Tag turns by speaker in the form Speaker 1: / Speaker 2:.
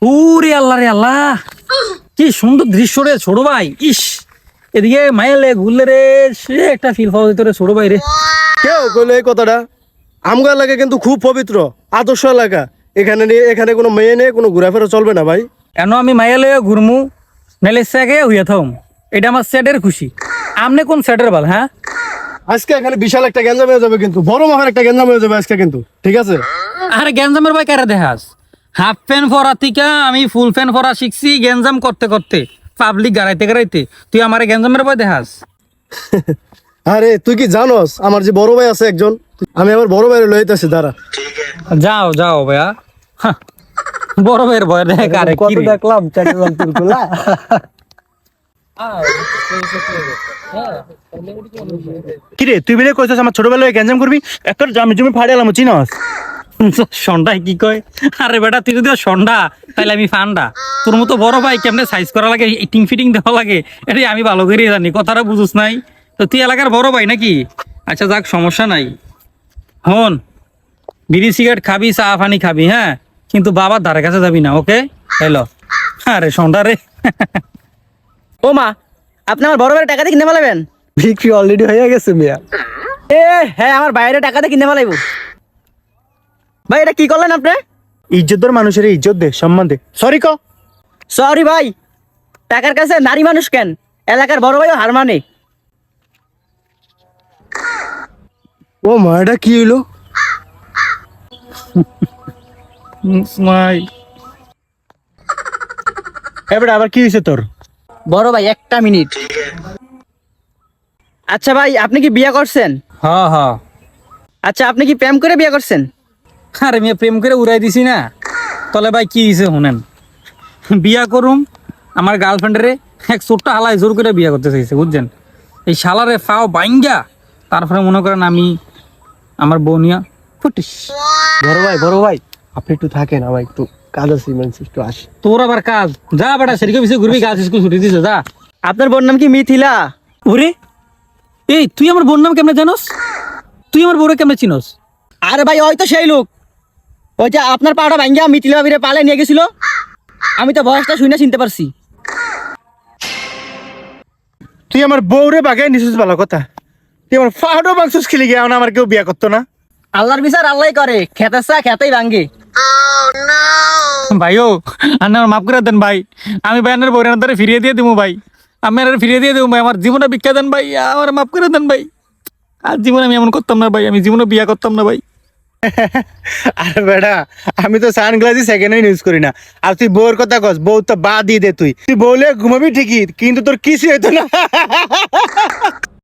Speaker 1: ওরে আল্লাহ রে আল্লাহ, কি সুন্দর দৃশ্য রে ছোট ভাই। ইস, এদিকে মাইলে ঘুরলে রে, সে একটা ফিল পাওয়া যেত রে ছোট ভাই রে।
Speaker 2: কেউ কইলো এই কথাটা? আমগো এলাকা কিন্তু খুব পবিত্র আদর্শ এলাকা। এখানে কোনো মেয়ে নেই, কোনো ঘোরাফেরা চলবে না ভাই।
Speaker 1: এন আমি মাইলে ঘুরমু নাইলে স্যাগে হইয়া থাম, এটা আমার স্যাডের খুশি। আমনে কোন স্যাডের বল? হ্যাঁ,
Speaker 2: আজকে এখানে বিশাল একটা গ্যাঞ্জাম হয়ে যাবে, কিন্তু বড় মাপের একটা গ্যাঞ্জাম হয়ে যাবে আজকে কিন্তু, ঠিক আছে?
Speaker 1: আরে গ্যাঞ্জামের ভাই কারে দেখাস? হাফ প্যান্ট পরা থেকে আমি ফুল প্যান্ট পরা শিখছি গ্যাঞ্জাম করতে করতে, পাবলিক গাড়াইতে গাড়াইতে। তুই আমার গ্যাঞ্জামের ভাই দেখাস?
Speaker 2: আরে তুই কি জানোস আমার যে বড় ভাই আছে একজন, আমি আমার বড় ভাইয়ের লইতেছি, দাঁড়া।
Speaker 1: যাও যাও ভাইয়া, হাহ, বড় ভাইয়ের ভয় দেখ। আরে কি রে?
Speaker 2: দেখলাম চট্টগ্রাম
Speaker 3: কিরে তুই বেলে কইছস আমার ছোটবেলায় গ্যাঞ্জাম করবি, একটা জমি জমি ফাড়ে এলাম চিনস?
Speaker 1: সন্ডাই কি কয়? আরে বেটা, তুই যদি সন্ডা তাহলে আমি ফান্ডা। তোর মতো বড় ভাই কেমনে সাইজ করা লাগে, ইটিং ফিটিং দেওয়া লাগে, এটাই আমি ভালো করে জানি। কথাটা বুঝুস নাই তো? তুই এলাকার বড় ভাই নাকি? আচ্ছা যাক, সমস্যা নাই। হন, বিড়ি সিগারেট খাবি, চা পানি খাবি, হ্যাঁ, কিন্তু বাবার ধারে কাছে যাবি না, ওকে? হ্যালো। আরে সন্ডা রে।
Speaker 4: ও মা, আপনি আমার বড় ভাইয়ের টাকা দিয়ে কিনে ফেলাবেন?
Speaker 2: বিক্রি অলরেডি হয়ে গেছে মিয়া।
Speaker 4: হ্যাঁ, আমার বাইরে টাকা দিয়ে কিনে ফেলাইব। ভাই এটা কি করলেন আপনি?
Speaker 3: ইজ্জতদার মানুষের ইজ্জত দে, সম্মান দে। সরি ক।
Speaker 4: সরি ভাই, টাকার কাছে নারী মানুষ কেন? এলাকার বড় ভাইও হার মানে।
Speaker 2: ও মা, এটা কি হইলো?
Speaker 1: মাই,
Speaker 3: এবারে আবার কি হয়েছে তোর?
Speaker 4: বড় ভাই একটা মিনিট। আচ্ছা ভাই, আপনি কি বিয়ে করছেন?
Speaker 1: হ্যাঁ হ্যাঁ।
Speaker 4: আচ্ছা, আপনি কি প্রেম করে বিয়ে করছেন?
Speaker 1: আরে মেয়ে প্রেম করে উড়াই দিছি না। তলে ভাই কি হয়েছে শুনেন, বিয়া করুম আমার গার্লফ্রেন্ডেরে এক ছোট্ট হালায় জোর করে বিয়া করতে চাইছে, বুঝছেন? এই শালারে ফাও বাইঙ্গা, তারপরে মনে করেন আমি আমার বউনিয়া ফুটিস।
Speaker 2: বড় ভাই আপনি একটু থাকেন, আমার একটু কাজ আছে, ইমার্জেন্সি একটু আসি।
Speaker 1: তোর আবার কাজ? যা বেটা, সেদিকে পিছিয়ে ঘুরবি, গাছ স্কুল ছুটি দিছে, যা।
Speaker 4: আপনার বোন নাম কি মিথিলা?
Speaker 1: ওরে, এই তুই আমার বোন নাম কেমনে জানোস? তুই আমার বউরে কেমনে চিনোস?
Speaker 4: আরে ভাই, ওই তো সেই লোক, ওই যে আপনার পাড়া ভাঙ্গা মিথিলা ভাবিরে পালে নিয়ে গেছিল। আমি তো বয়সটা শুনে চিনতে পারছি।
Speaker 3: তুই আমার বউরে বাগাই নিছিস, ভালো কথা। তুই আমার ফাহাডো মাংসুস খেলি গিয়া আমার কেউ বিয়া করতো না।
Speaker 4: আল্লাহর বিচার আল্লাহ করে, খেতেছা খেতেই ভাঙ্গে।
Speaker 1: ভাইও আপনার মাফ করে দেন ভাই, আমি ভাই আপনার বউরের ধরে ফিরিয়ে দিয়ে দেবো ভাই, আমি আর ফিরিয়ে দিয়ে দেবো ভাই, আমার জীবনে ভিক্ষা দেন ভাই, আমার মাফ করে দেন ভাই। আর জীবনে আমি এমন করতাম না ভাই, আমি জীবনে বিয়া করতাম না ভাই।
Speaker 3: আরে বেটা, আমি তো সানগ্লাসই সেকেন্ড হ্যান্ড ইউজ করি না। আর তুই বউর কথা কস, বউ তো বাদ দিয়ে দে। তুই বউলে ঘুমাবি ঠিকই, কিন্তু তোর কিছু হইতো না।